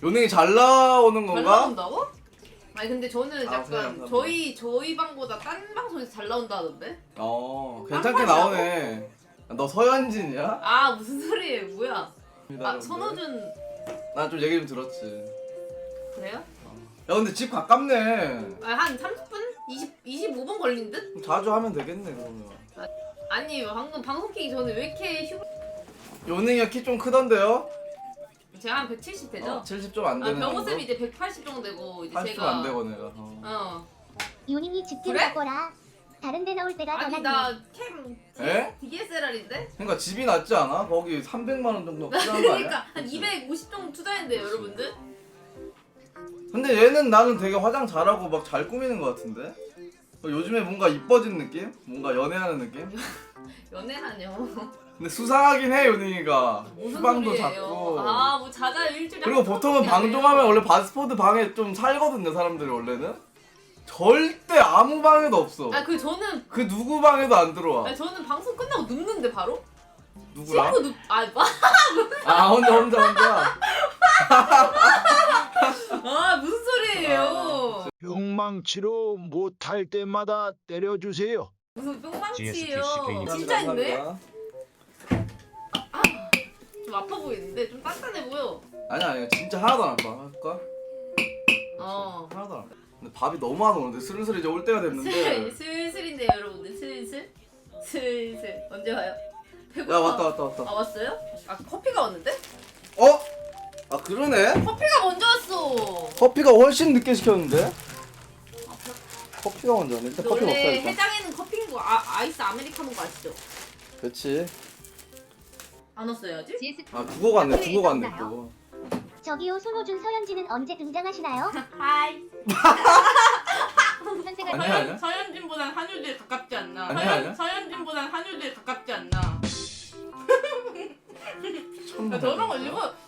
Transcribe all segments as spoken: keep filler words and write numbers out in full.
요능이 잘 나오는 잘 건가? 나온다고? 아니 근데 저는 아, 약간 그냥 저희 저희 방보다 딴 방송에서 잘 나온다 하던데? 어 괜찮게 깜빡이라고? 나오네. 너 서현진이야? 아 무슨 소리예요? 뭐야? 아 선호준 난 좀 얘기 좀 들었지. 그래요? 야 근데 집 가깝네. 아, 한 삼십 분? 이십, 이십오 분 걸린 듯? 자주 하면 되겠네 그러면. 아니 방금 방송 키기 전에 왜 이렇게 휴... 요능이가 키 좀 크던데요? 제가 한 백칠십 되죠? 어, 칠십 좀 안 아 되는 병호쌤이 이제 백팔십 정도 되고 이제 팔십 좀 제가 안 되고 내가. 어. 어 요님이 집좀 그래? 바꿔라. 다른 데 나올 때가 더 아니 낫네. 나캠 에? 디에스엘알인데? 그러니까 집이 낫지 않아? 거기 삼백만 원 정도 필요한 거 아니야? 그러니까 한 이백오십 정도 투자했는데요 여러분들? 근데 얘는 나는 되게 화장 잘하고 막 잘 꾸미는 거 같은데? 어, 요즘에 뭔가 이뻐진 느낌? 뭔가 연애하는 느낌? 연애라뇨. 근데 수상하긴 해 요능이가. 무슨 후방도 소리예요? 작고. 아뭐 자자 일주일에 그리고 한 보통은 번밖에 안 방종하면 해요. 원래 바스포드 방에 좀 살거든요 사람들이 원래는. 절대 아무 방에도 없어. 아 그 저는 그 누구 방에도 안 들어와. 아니 저는 방송 끝나고 눕는데 바로? 누구랑? 씻고 눕.. 아 뭐? 아 혼자 혼자 혼자. 아 무슨 소리예요? 욕망치로 못할 때마다 때려주세요. 무슨 뿅망치예요? 감사합니다, 진짜인데? 감사합니다. 좀 아파 보이는데 좀 단단해 보여. 아니야 아니야 진짜 하나도 안 아파. 할까? 어. 하나도 안 아파. 근데 밥이 너무 안 오는데 슬슬 이제 올 때가 슬, 됐는데. 슬슬인데 여러분들 슬슬 슬슬 언제 와요? 배고파. 야 왔다 왔다 왔다. 아 왔어요? 아 커피가 왔는데? 어? 아 그러네? 커피가 먼저 왔어. 커피가 훨씬 늦게 시켰는데? 커피가 먼저 왔네. 일단 커피 먹자 원래 일단. 해장에는 커피인 거 아, 아이스 아메리카노 거 아시죠? 그렇지. 안 왔어요 아직? 아 두고 갔네 두고 갔네 또. 저기요 손호준 서현진은 언제 등장하시나요? 하이. 현생활 아니야, 아니야. 서현진보단 한효주에 가깝지 않나? 아니야, 아니야. 서현진보단 한효주에 가깝지 않나? 천만 저런 거 원이야. 일부러 야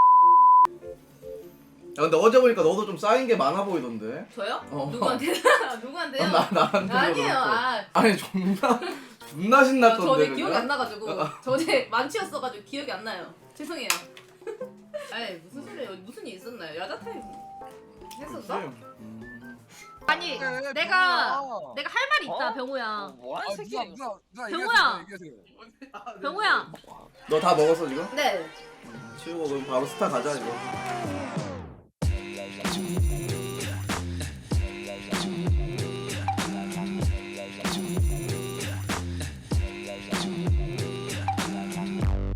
근데 어제 보니까 너도 좀 쌓인 게 많아 보이던데? 저요? 어. 누구한테? 누구한테요? 어, 나 나한테 아니에요. 아, 아니 존나 존나 신났던데. 저 어제 그냥? 기억이 안 나가지고 저 어제 만취였어가지고 기억이 안 나요. 죄송해요. 아이 무슨 소리예요? 무슨 일 있었나요? 야자 타임 했었어? 음. 아니 그래, 내가 병우야. 내가 할 말이 있다 어? 병우야. 뭐하는 새끼야? 누나, 누나, 병우야. 얘기하세요, 얘기하세요. 병우야. 너 다 먹었어 지금? 네. 치우고 그럼 바로 스타 가자 이거.